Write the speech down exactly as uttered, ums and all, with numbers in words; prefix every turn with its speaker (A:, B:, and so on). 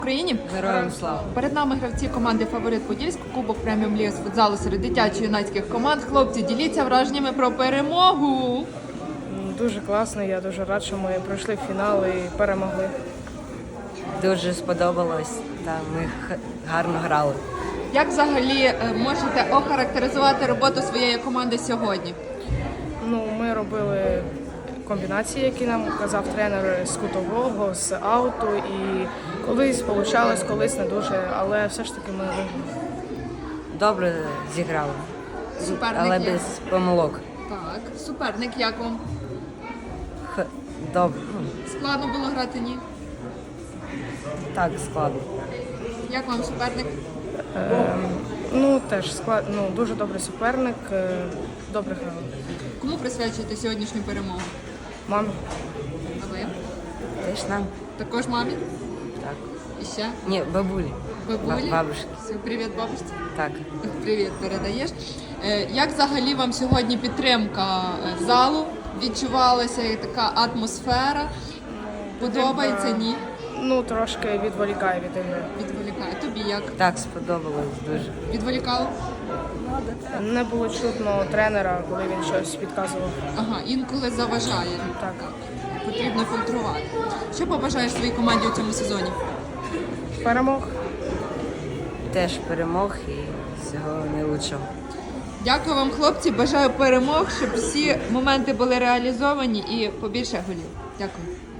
A: Україні
B: Героям слава!
A: перед нами гравці команди «Фаворит Подільськ», Кубок преміум ліги з футзалу серед дитячо-юнацьких команд. Хлопці, діліться враженнями про перемогу.
C: Дуже класно, я дуже рад, що ми пройшли фінал і перемогли.
B: Дуже сподобалось, та ми х- гарно грали.
A: Як взагалі е, можете охарактеризувати роботу своєї команди сьогодні?
C: Ну, ми робили комбінації, які нам казав тренер з кутового, з ауту, і колись вийшло, колись не дуже, але все ж таки ми виграли.
B: Добре зіграли,
A: Суперник
B: але
A: як?
B: без помилок.
A: Так, суперник як вам?
B: Х- Добре, ну,
A: Складно було грати, ні?
B: так складно.
A: Як вам суперник?
C: Ну, теж склад, ну, дуже добрий суперник, е, добре грали.
A: Кому присвячуєте сьогоднішню перемогу?
C: Мамі.
A: А ви?
B: Теж нам?
A: Також мамі?
B: Так.
A: І ще?
B: Ні, бабулі.
A: Бабулі?
B: Ба- бабушки.
A: Все, привіт, бабусі.
B: Так.
A: Привіт, передаєш. Е, Як взагалі вам сьогодні підтримка е, залу? Відчувалася і така атмосфера? Подобається,
C: Підтримка,
A: ні?
C: Ну, трошки відволікає від ігри.
A: Відволікає. Тобі як?
B: Так, сподобалось дуже.
A: Відволікало?
C: Не було чутно тренера, коли він щось підказував.
A: Ага, інколи заважає.
C: Так.
A: Потрібно фільтрувати. Що побажаєш своїй команді у цьому сезоні?
C: Перемог.
B: Теж перемог і всього найлучшого.
A: Дякую вам, хлопці. Бажаю перемог, щоб всі моменти були реалізовані і побільше голів. Дякую.